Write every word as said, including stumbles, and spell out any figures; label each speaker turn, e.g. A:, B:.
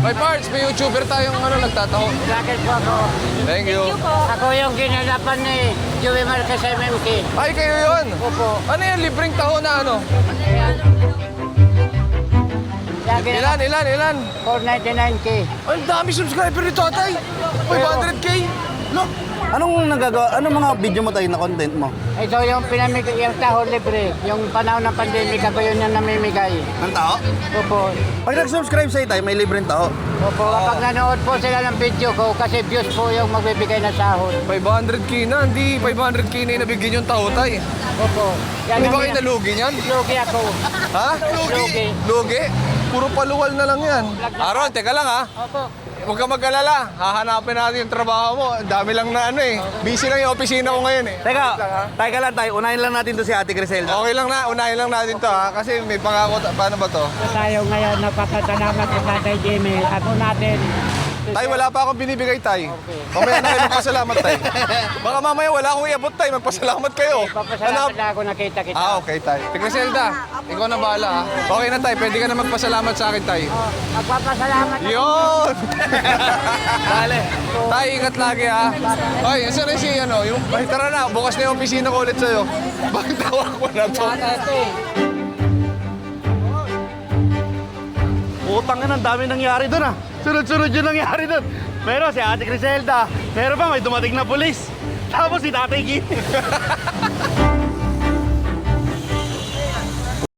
A: May parts, may YouTuber tayong ano, nagtataho.
B: Bakit po ako?
A: Thank you.
B: Ako yung ginalapan ni Joey Marquez M M K.
A: Ay, kayo yun?
B: Opo.
A: Ano yan, libreng taho na ano?
B: Lagi na
A: Ilan, ilan, ilan?
B: four ninety-nine K.
A: Ay, ang dami subscriber ni Tatay. five hundred K. Look.
C: Anong nagagawa, anong mga video mo tayo na content mo?
B: Ito yung pinamigay, yung taho libre. Yung panahon ng pandemic, ako yun yung namimigay.
C: Ng tao?
B: Opo.
C: Pag nag-subscribe sa'yo tayo, may libreng tao.
B: Opo, kapag nanood po sila ng video ko, kasi views po yung magbibigay na sahod.
A: five hundred K na, hindi five hundred K na yung nabigyan yung taho, Tay.
B: Opo. Yan
A: Hindi ba
B: ang-
A: kayo nalugi niyan?
B: Lugi ako.
A: Ha?
B: Lugi.
A: Lugi? Puro paluwal na lang yan. Aaron, teka lang ha.
B: Opo.
A: Huwag ka mag-alala. Hahanapin natin yung trabaho mo. Ang dami lang na ano eh. Busy lang yung opisina ko ngayon eh.
C: Teka, tayo ka lang tayo. Unahin lang natin to si Ate Griselda.
A: Okay lang na, unahin lang natin to ha. Kasi may pangako, ta- paano ba to?
B: Tayo ngayon, napapasalamat sa Tatay Jimmy. Ako natin.
A: Tay, wala pa akong binibigay, Tay. Mamaya na kayo magpasalamat, Tay. Baka mamaya wala akong iabot, Tay. Magpasalamat kayo.
B: Papasalamat na ako nakita kita.
A: Ah, okay, Tay. Tigre Zelda, ikaw na bahala ha. Okay na, Tay. Pwede ka na magpasalamat sa akin, Tay.
B: Oh, magpapasalamat ako.
A: Yun! Dale. Tay, ingat lagi ha. Hoy, yan rin si ano, yung, ay, tara na, bukas na yung opisina ko ulit sa'yo. Bakit tawag ko na to?
C: Utang na, ang dami nangyari doon ah. Sunod-sunod yung nangyari doon. Meron si Ate Griselda. Meron pa, may dumating na pulis. Tapos si Tatay Kim.